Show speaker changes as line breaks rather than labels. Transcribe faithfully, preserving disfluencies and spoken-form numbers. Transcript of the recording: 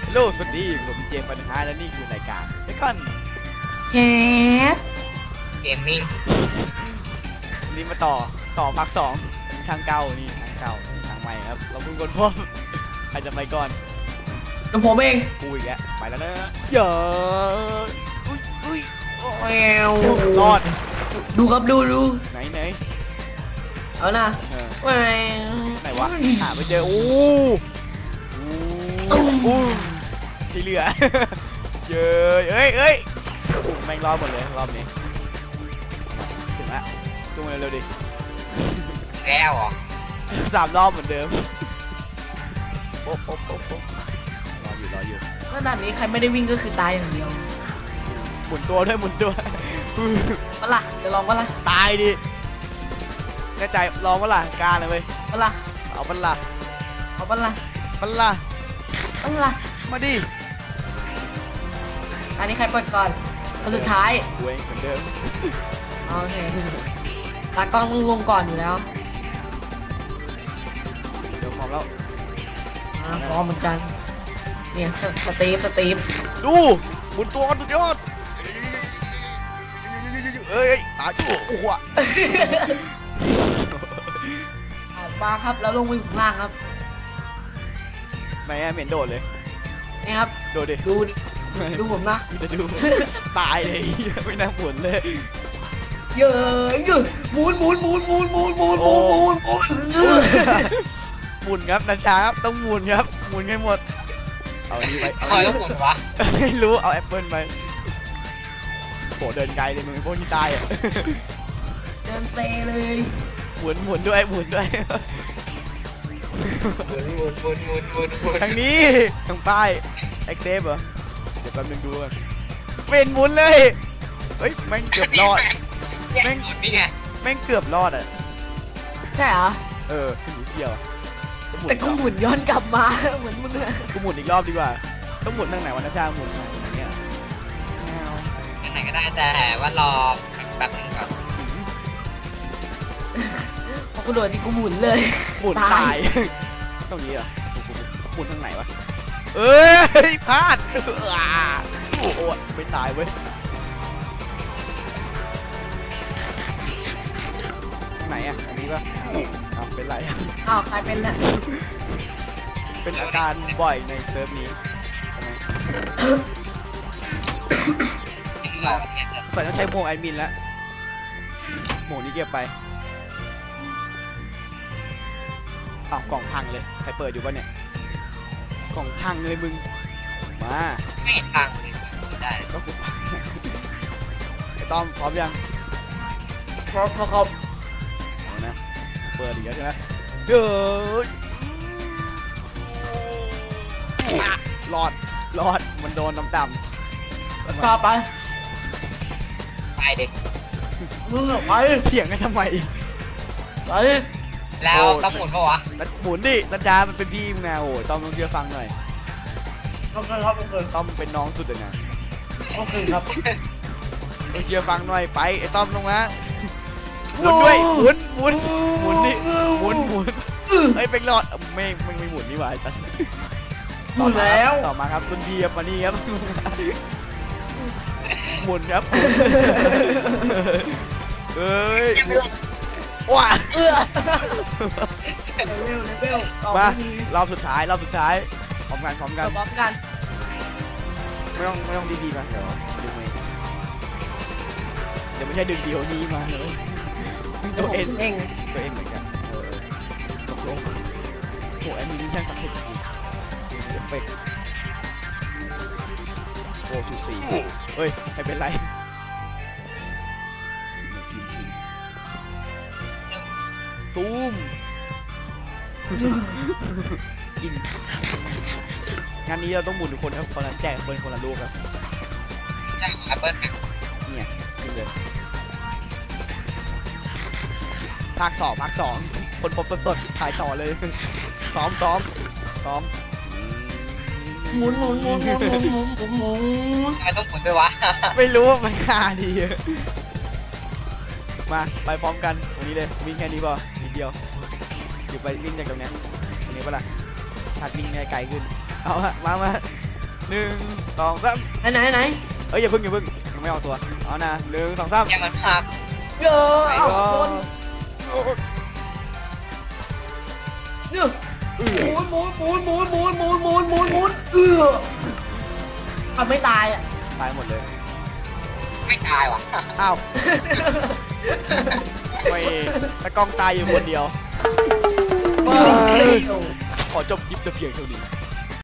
โลสวัสดีผมเจมส์ปัญหาและนี่คือรายการเดคอน
แคส
เกมมิ่ง
นี่มาต่อต่อภาคสองทางเก่านี่ทางเก่าทางใหม่ครับเราเพิ่งคนพบใครจะไปก่อน
ตัวผมเอง
กูอีกแล้วไปแล้วนะเยอะอุ้ยอุ้ย
แอว
รอด
ดูครับดูดู
ไหนไหน
เอานะแหว
ไหนวะหาไปเจอโอ้โหที่เหลือเยอะเอ้ยเอ้ยแม่งรอบหมดเลยรอบนี้ถึงละจุ่มเร็วดิ
แล้วอ่ะ
สามรอบเหมือนเดิมโป๊ะโป๊ะโป๊ะโป๊ะรออยู่รออยู่
ก็ด่านนี้ใครไม่ได้วิ่งก็คือตายอย่างเดียว
หมุนตัวด้วยหมุนตัว
มาล่ะจะลองมาล่ะ
ตายดิแน่ใจลองมาล่ะกล้าเลยเว้ย
มาล่ะ
เอาบัลล่ะ
เอาบัลล่ะ
บัลล่ะ
บัลล่ะ
มาดิ
อันนี้ใครเปิดก่อนคนสุดท้าย
เว้ยเหมือนเดิม
โอเคตากล้องต้องลงก่อนอยู่แล้ว
เดี๋ยวพร้อมแล้ว
พร้อมเหมือนกันเนี่ยสตีฟสตีฟ
ดูหมุนตัวกันสุดยอดเอ้ยตายโอ้โห
มาครับแล้วลงไปข้างล่างครับ
ไม่เหม็นโดดเลย
นี่ครับ
โดดดิ
ดูดูผมนะ
จะดูตายเลยไม่น่าหมุนเลย
เยอะเยอะหมุนหมุนหมุนหมุนหมุนหมุนหมุนหมุนหมุน
หมุนครับนัชชาครับต้องหมุนครับหมุนให้หมดเอานี่ไป
คอยแล้วหมุนวะ
ไม่รู้เอาแอปเปิลไปโหเดินไกลเลยมึงพวกที่ตายอ่ะ
เดินเซเลย
หมุนหมุนด้วยหมุนด้วย
หมุนหมุนหมุนหมุนหมุนหมุน
ทางนี้ทางป้ายเอ็กเซฟเหรอเดี๋ยวแป๊บนึงดูกันเป็นหมุนเลยเฮ้ยแม่งเกือบรอด
แม่งนี่ไง
แม่งเกือบรอดอ่ะ
ใช่เหรอ
เออขึ้นอยู่เดียว
แต่กูหมุนย้อนกลับมาเหมือนมึงอะ
กูหมุนอีกรอบดีกว่าต้องหมุนทางไหนวะนะชาหมุนทางเนี้ย
ทางไหนก็ได้แต่ว่ารอแป๊บนึงก่อน
พอกูโดดที่กูหมุนเลย
หมุนตายตรงนี้เหรอหมุนทางไหนวะเอ้ยพลาดโอ้โหไม่ตายเว้ยไหนอ่ะอันนี้ป่ะอ้าวเป็นไร
อ้าวใครเป็นน่ะ
เป็นอาการบ่อยในเซิร์ฟนี้เปิดต้องใช้โหมดแอดมินแล้วโหมดนี้เก็บไปอ้าวกล่องพังเลยใครเปิดอยู่ป่ะเนี่ยกล่องพังเลยมึงมา
ไม่พังได้
ก็คือพังไอ้ต้อมพร้อมยัง
พร้อมครับ
เอานะเปิดอีกแล้วใช่ไหมเฮ้ยรอดรอดมันโดนน้ำดำ
ข้าไป
ไปเด็ก
มึงไป
เถียงกันทำไม
ไป
แล้วต้องหมุนปะวะ
หมุนดินันจามันเป็นพี่มึงนะโอ้ต้อมต้องเชื่อฟังหน่อย
โอเคครับโอเค
ต้อมเป็นน้องสุดเลยนะ
โอเคครับ
ต้องเชื่อฟังหน่อยไปไอ้ต้อมลงมาหมุนด้วยหมุนหมุนหมุนนี่หมุนหมุนไอ้เป็นรอดไม่ไม่ไม่หมุนนี่หว่าตัน
หมุนแล้ว
ต่อมาครับคุณพี่ครับมานี่ครับหมุนครับเอ้ยว้า
เออเร็วเร็ว
มารอบสุดท้ายรอบสุดท้ายพร้อมกันพร้อมกัน
พร้อมกัน
ไม่ต้องไม่ต้องดีๆมาเดี๋ยวดึงเองเดี๋ยวไม่ใช่ดึงเดียวนี้มาเลย
ตัวเองเอง
ตัวเองเหมือนกันเออตกลงโอ้แอมมี่แค่สักสิบทีเอฟเฟกต์โอ้สูสีเฮ้ยไม่เป็นไรซูมกินงานนี้เราต้องหมุนทุกคนครับคนนั้นแจกคนคนละลูกครับ
แจกแอปเปิ้ล
เนี่ยกินเลยภาคสองภาคสองคนพบสดถ่ายต่อเลยซ้อมซ้อมซ้อม
หมุนหมุนหมุนหมุนหมุนหมุนหมุนหมุน
ทำไมต้องหมุนด้วยวะ
ไม่รู้ว่ามันค่าดีมาไปพร้อมกันวันนี้เลยวิ่งแค่นี้ป่ะนิดเดียวอยู่ไปวิ่งจากตรงนี้ตรงนี้ป่ะล่ะถัดวิ่งไกลขึ้นเอาฮะมามาหนึ่งสองสาม
ไหนไหนไหน
เอ้ยอย่าเพิ่งอย่าเพิ่งยังไม่ออกตัวเอานะหนึ่งสองสาม
แกมันพัก
เยอะเอ้าโดน
โอ้ย
เนี่ย
เอ
หมุ
อน
หมุนหมุนหมุนหมุนหมุนหมุนหมุนหมุนเอออ่ะไม่ตายอ่ะ
ตายหมดเลย
ไม่ตายว่ะ
อ้าวไม่ตะกล้องตายอยู่คนเดียว
ว้าว
ขอจบคลิปแต่เพียงเท่านี้